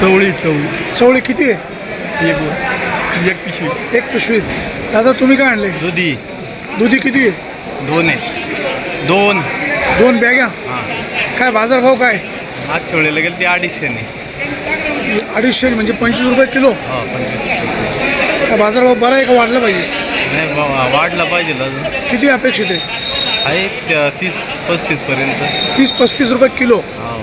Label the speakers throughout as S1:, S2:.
S1: चवळी
S2: चवळी किती आहे?
S1: एक पिशवी.
S2: एक पिशवी. दादा तुम्ही काय आणले?
S3: दुधी
S2: दुधी किती आहे?
S3: 2 आहे. 2
S2: 2 बॅग्या.
S3: हां.
S2: काय बाजारभाव काय?
S3: आज ठेवलेलं गेलं ते 250
S2: 250 म्हणजे 25 रुपये किलो.
S3: हो 25.
S2: काय बाजारभाव बरा आहे का वाढला पाहिजे?
S3: नाही वाढला पाहिजे अजून.
S2: किती अपेक्षित आहे?
S3: आहे 30-35 पर्यंत.
S2: 30-35 रुपये किलो.
S3: हो.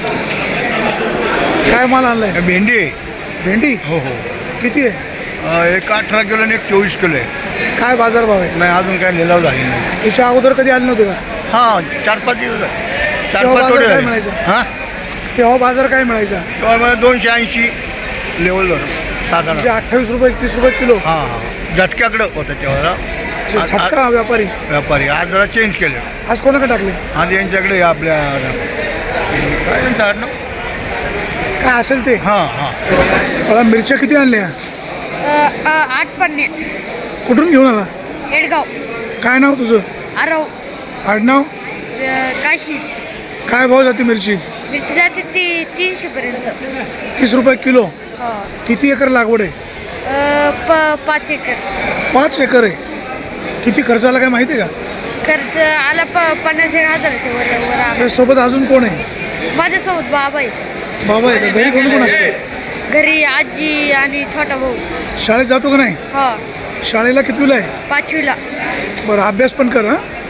S2: काय माल आणलाय?
S1: भेंडी आहे.
S2: भेंडी
S1: हो हो.
S2: किती आहे?
S1: एक 18 किलो आणि एक 24 किलो आहे.
S2: काय बाजारभाव आहे?
S1: नाही अजून काय लिलाव झाली नाही.
S2: याच्या अगोदर कधी आले नव्हते का?
S1: हां 4-5 दिवस झाले.
S2: तेव्हा
S1: 4-5
S2: बाजार
S1: थोडे
S2: काय
S1: झाले.
S2: म्हणायचं?
S1: हां
S2: तेव्हा बाजार काय मिळायचा?
S1: तेव्हा मला 280 लेवल धरून साधारण.
S2: म्हणजे 28 रुपये 31 रुपये किलो.
S1: हां हां झटक्याकडं होतं तेव्हा.
S2: असे छटका व्यापारी.
S1: व्यापारी आज जरा चेंज केले.
S2: आज कोणाकडे टाकले?
S1: आज यांच्याकडे आपल्या काय म्हणतात ना.
S2: काय असेल ते.
S1: हां हां.
S2: मला मिरच्या किती आणल्या?
S4: 8 पन्ने.
S2: कुठून घेऊन आला?
S4: येडगाव.
S2: काय नाव तुझं?
S4: आरव.
S2: आडनाव?
S4: काशी.
S2: काय भाव जाते मिरची?
S4: मिरची जाते ती 300 पर्यंत.
S2: 30 रुपये किलो.
S4: हो.
S2: किती एकर लागवड आहे?
S4: 5 एकर.
S2: 5 एकर आहे. किती खर्च आला काय माहिती आहे का?
S4: खर्च आला 50,000 वर आला.
S2: त्या सोबत अजून कोण आहे?
S4: माझ्यासोबत बाबा आहे.
S2: बाबा आहे का? घरी कोण कोण असते?
S4: घरी आजी आणि छोटा भाऊ.
S2: शाळेत जातो का नाही?
S4: हो
S2: शाळेला कितवीला आहे?
S4: 5वीला.
S2: बरं अभ्यास पण कर हां.